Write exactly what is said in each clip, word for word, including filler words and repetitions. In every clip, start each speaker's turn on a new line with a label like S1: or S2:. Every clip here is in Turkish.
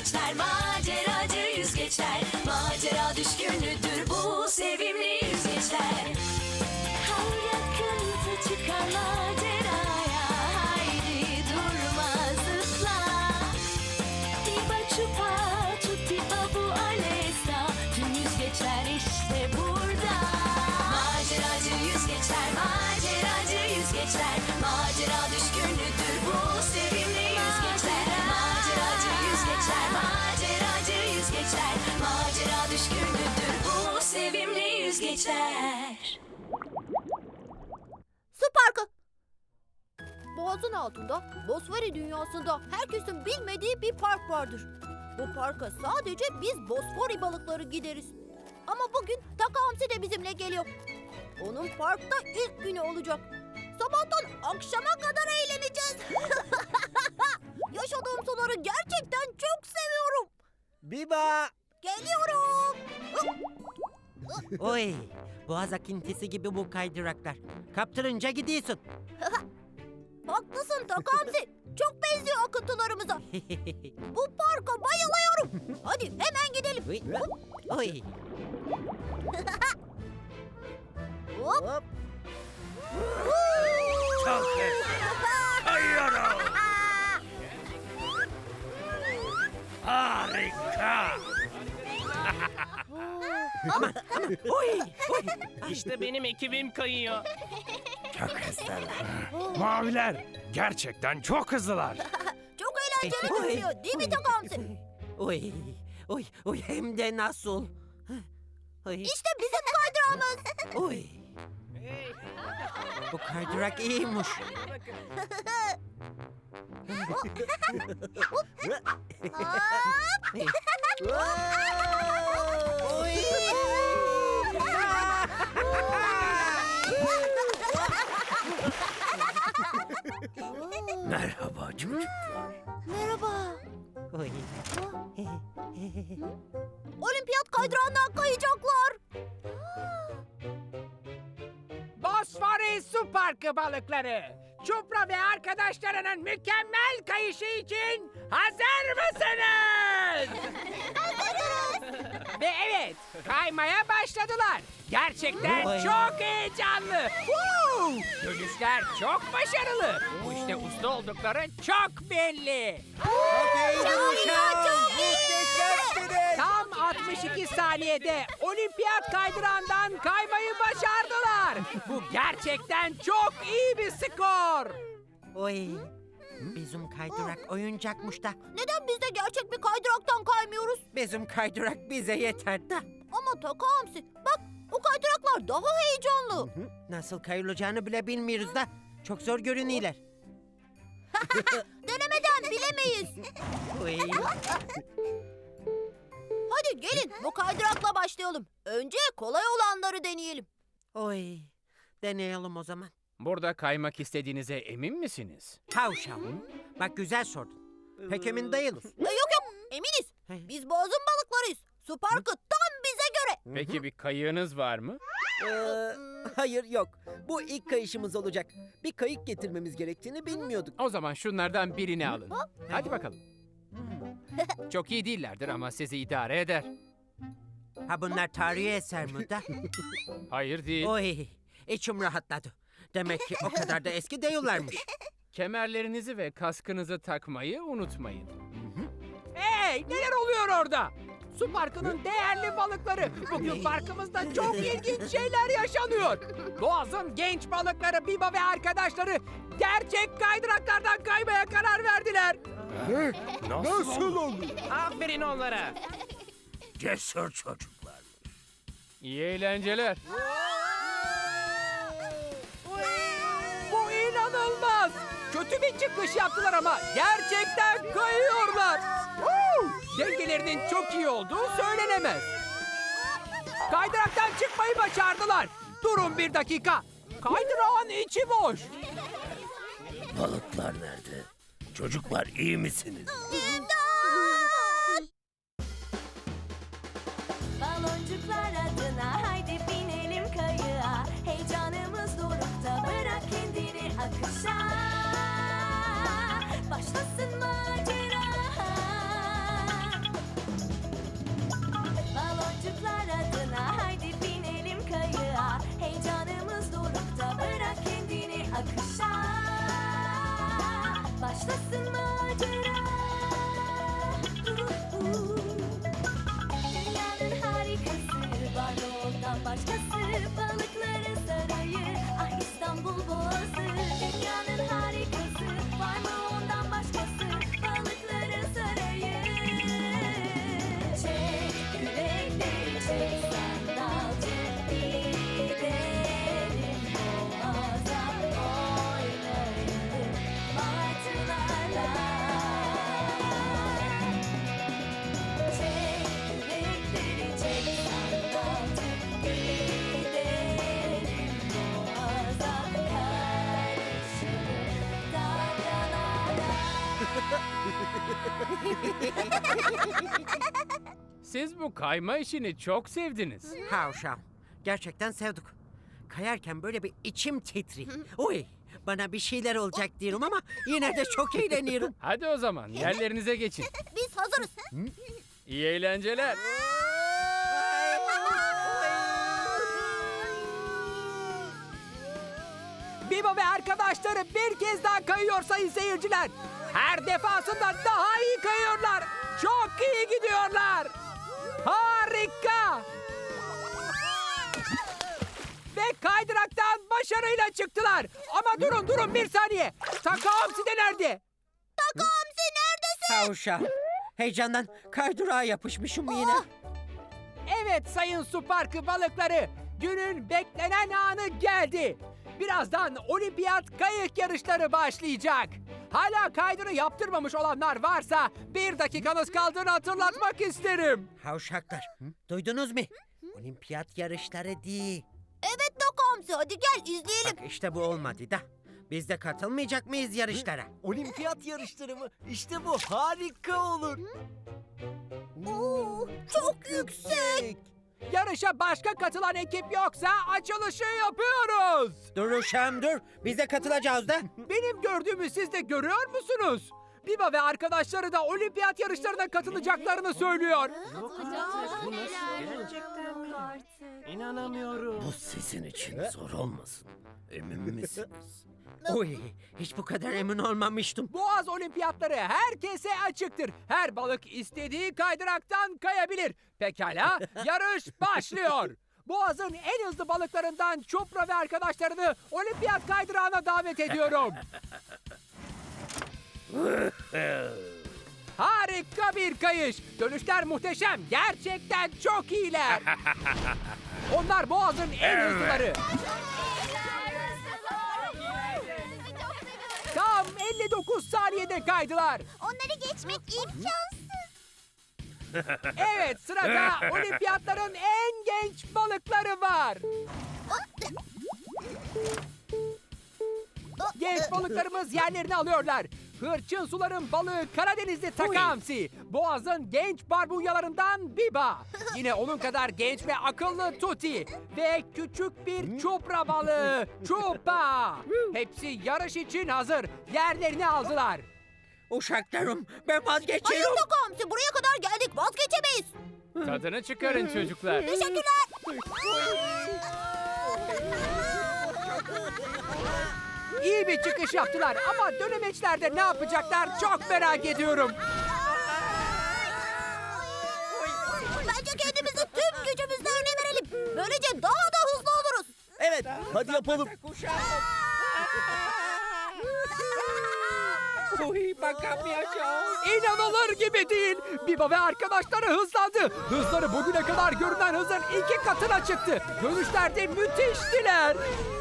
S1: yüzgeçler, maceracı yüzgeçler. Macera düşkünüdür bu sevimli yüzgeçler. Her yakınsa çıkar maceraya, haydi durma zıpla. Diba çupa, tutti babu alesta, tüm yüzgeçler işte burada. Maceracı yüzgeçler, maceracı yüzgeçler. Macera düşkünüdür bu sevimli yüzgeçler. Maceracı yüzgeçler, maceracı yüzgeçler. Macera düşkünüdür bu sevimli yüzgeçler.
S2: Su parkı. Boğazın altında, Bosfori dünyasında herkesin bilmediği bir park vardır. Bu parka sadece biz Bosfori balıkları gideriz. Ama bugün Taka Hamsi de bizimle geliyor. Onun parkta ilk günü olacak. Sabahtan akşama kadar eğleneceğiz. Yaşadığım suları gerçekten çok seviyorum.
S3: Biba!
S2: Geliyorum.
S3: Oy! Boğaz akıntısı gibi bu kaydıraklar. Kaptırınca gidiyorsun.
S2: Haklısın Taka Hamsi. Çok benziyor akıntılarımıza. Bu parka bayılıyorum. Hadi hemen gidelim.
S3: Oy! Oy!
S2: Hop.
S3: Hop!
S4: Çok güzel. Kayıyorum. Harika.
S3: Oy! Oy!
S5: İşte benim ekibim kayıyor.
S4: Çok hızlılar. Maviler gerçekten çok hızlılar.
S2: Çok eğlenceli
S3: Oy.
S2: görünüyor değil mi Taka Hamsi?
S3: Oy! Oy! Oy! Hem de nasıl? Oy!
S2: İşte bizim kaydırağımız.
S3: Oy! Bu kaydırak iyiymiş. Oy!
S4: Merhaba çocuklar.
S2: Merhaba.
S3: Oy!
S2: Olimpiyat kaydırağından kayacaklar.
S6: Bosfori Su Parkı balıkları. Çupra ve arkadaşlarının mükemmel kayışı için hazır mısınız? Ve evet, kaymaya başladılar. Gerçekten
S3: Vay.
S6: çok heyecanlı. Woo! Dönüşler çok başarılı. Bu işte usta oldukları çok belli. Tam altmış iki saniyede olimpiyat kaydırağından kaymayı başardılar. Bu gerçekten çok iyi bir skor.
S3: Oy! Bizim kaydırak oyuncakmış da.
S2: Neden biz de gerçek bir kaydıraktan kaymıyoruz?
S3: Bizim kaydırak bize yeter da.
S2: Ama Taka Hamsi bak o kaydıraklar daha heyecanlı.
S3: Nasıl kayılacağını bile bilmiyoruz da. Çok zor görünüyorlar.
S2: Denemeden bilemeyiz.
S3: Oy!
S2: Hadi gelin bu kaydırakla başlayalım. Önce kolay olanları deneyelim.
S3: Oy! Deneyelim o zaman.
S5: Burada kaymak istediğinize emin misiniz?
S3: Havşav. Bak güzel sordun. Pek emin değiliz.
S2: E, yok yok eminiz. Biz boğazın balıklarıyız. Su parkı tam bize göre.
S5: Peki bir kayığınız var mı?
S7: Ee, hayır yok. Bu ilk kayışımız olacak. Bir kayık getirmemiz gerektiğini bilmiyorduk.
S5: O zaman şunlardan birini alın. Hadi bakalım. Çok iyi değillerdir ama sizi idare eder.
S3: Ha bunlar tarihi eser mi da?
S5: Hayır değil.
S3: Oy! İçim rahatladı. Demek ki o kadar da eski değillermiş.
S5: Kemerlerinizi ve kaskınızı takmayı unutmayın.
S6: Hey, neler oluyor orada? Su parkının değerli balıkları. Bugün parkımızda çok ilginç şeyler yaşanıyor. Boğaz'ın genç balıkları Biba ve arkadaşları gerçek kaydıraklardan kaymaya karar verdiler.
S4: Nasıl olur?
S5: Aferin onlara.
S4: Cesur çocuklar.
S5: İyi eğlenceler.
S6: Bu inanılmaz. Kötü bir çıkış yaptılar ama gerçekten kayıyorlar. Woo! Dengelerinin çok iyi olduğu söylenemez. Kaydıraktan çıkmayı başardılar. Durun bir dakika. Kaydırağın içi boş.
S4: Balıklar nerede? Çocuklar iyi misiniz?
S1: Baloncuklar adına haydi binelim kayığa. Heyecanımız dorukta, bırak kendini akışa. Başlasın macera. macera. Dünyanın harikası var mı ondan başkası? Balıkları sarayı, ah İstanbul Boğazı. Dünyanın harikası var mı ondan başkası? Balıkları sarayı. Çek yürekleri, çek sandalcı, gidelim Boğaz'a, oynayalım martılarla. Çek yürekleri, çek sandalcı, gidelim Boğaz'a, karışalım dalgalara.
S5: Siz bu kayma işini çok sevdiniz.
S3: Havşam. Gerçekten sevdik. Kayarken böyle bir içim titri. Oy, bana bir şeyler olacak diyorum ama yine de çok eğleniyorum.
S5: Hadi o zaman yerlerinize geçin.
S2: Biz hazırız.
S5: İyi eğlenceler.
S6: Biba ve arkadaşları bir kez daha kayıyor sayın seyirciler. Her defasında daha iyi kayıyorlar. Çok iyi gidiyorlar. Harika. Ve kaydıraktan başarıyla çıktılar. Ama durun durun bir saniye. Takamsi de nerede?
S2: Hamsi neredesin?
S3: Havşam. Heyecandan kaydurağa yapışmışım yine.
S6: Evet sayın su parkı balıkları. Günün beklenen anı geldi. Birazdan olimpiyat kayık yarışları başlayacak. Hala kaydını yaptırmamış olanlar varsa bir dakikanız kaldığını hatırlatmak isterim.
S3: Havşaklar, duydunuz mu? Olimpiyat yarışları değil.
S2: Evet Doku Hamsi, hadi gel izleyelim.
S3: Bak işte bu olmadı da. Biz de katılmayacak mıyız yarışlara?
S7: Olimpiyat yarışları mı? İşte bu harika olur.
S2: Oo, çok yüksek.
S6: Yarışa başka katılan ekip yoksa açılışı yapıyoruz.
S3: Dur uşağım dur. Biz de katılacağız da.
S6: Benim gördüğümü siz de görüyor musunuz? Biba ve arkadaşları da olimpiyat yarışlarına katılacaklarını söylüyor.
S4: Bu sizin için zor olmasın. Emin misiniz?
S3: Oy, hiç bu kadar emin olmamıştım.
S6: Boğaz olimpiyatları herkese açıktır. Her balık istediği kaydıraktan kayabilir. Pekala, yarış başlıyor. Boğaz'ın en hızlı balıklarından Çupra ve arkadaşlarını olimpiyat kaydırağına davet ediyorum. Harika bir kayış. Dönüşler muhteşem. Gerçekten çok iyiler. Onlar Boğaz'ın en hızlıları. Tam elli dokuz saniyede kaydılar.
S2: Onları geçmek imkansız.
S6: Evet, sırada olimpiyatların en genç balıkları var. Genç balıklarımız yerlerini alıyorlar. Hırçın suların balığı Karadenizli Takamsi. Boğaz'ın genç barbunyalarından Biba. Yine onun kadar genç ve akıllı Tuti. Ve küçük bir çupra balığı Çupa. Hepsi yarış için hazır. Yerlerini aldılar.
S3: Uşaklarım ben
S2: Hayır
S3: vazgeçiyorum.
S2: Doku Hamsi, buraya kadar geldik, vazgeçemeyiz.
S5: Tadını çıkarın çocuklar.
S2: Teşekkürler.
S6: İyi bir çıkış yaptılar ama dönemeçlerde ne yapacaklar çok merak ediyorum.
S2: Bence kendimizi tüm gücümüzle öne verelim. Böylece daha da hızlı oluruz.
S7: Evet, hadi yapalım.
S3: Oy, bakamayacağım.
S6: İnanılır gibi değil. Biba ve arkadaşları hızlandı. Hızları bugüne kadar görünen hızın iki katına çıktı. Dönüşlerde müthiştiler.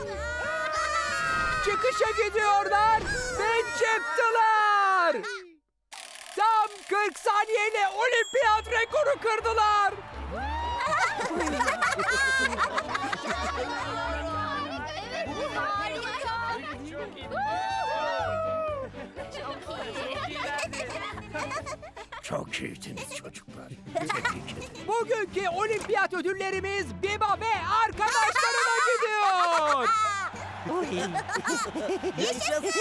S6: Çıkışa gidiyorlar ve çıktılar. Tam kırk saniyeyle olimpiyat rekoru kırdılar.
S4: Çok iyiydiniz çocuklar. Tebrik ederim.
S6: Bugünkü olimpiyat ödüllerimiz Biba ve arkadaşlarına gidiyor.
S7: Yaşasın.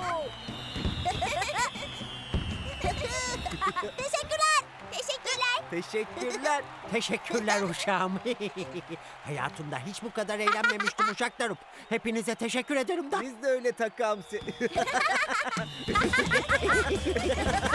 S2: Teşekkürler. Teşekkürler.
S7: Teşekkürler.
S3: Teşekkürler uşağım. Hayatımda hiç bu kadar eğlenmemiştim uşaklarım. Hepinize teşekkür ederim da.
S7: Biz de öyle Takamsi.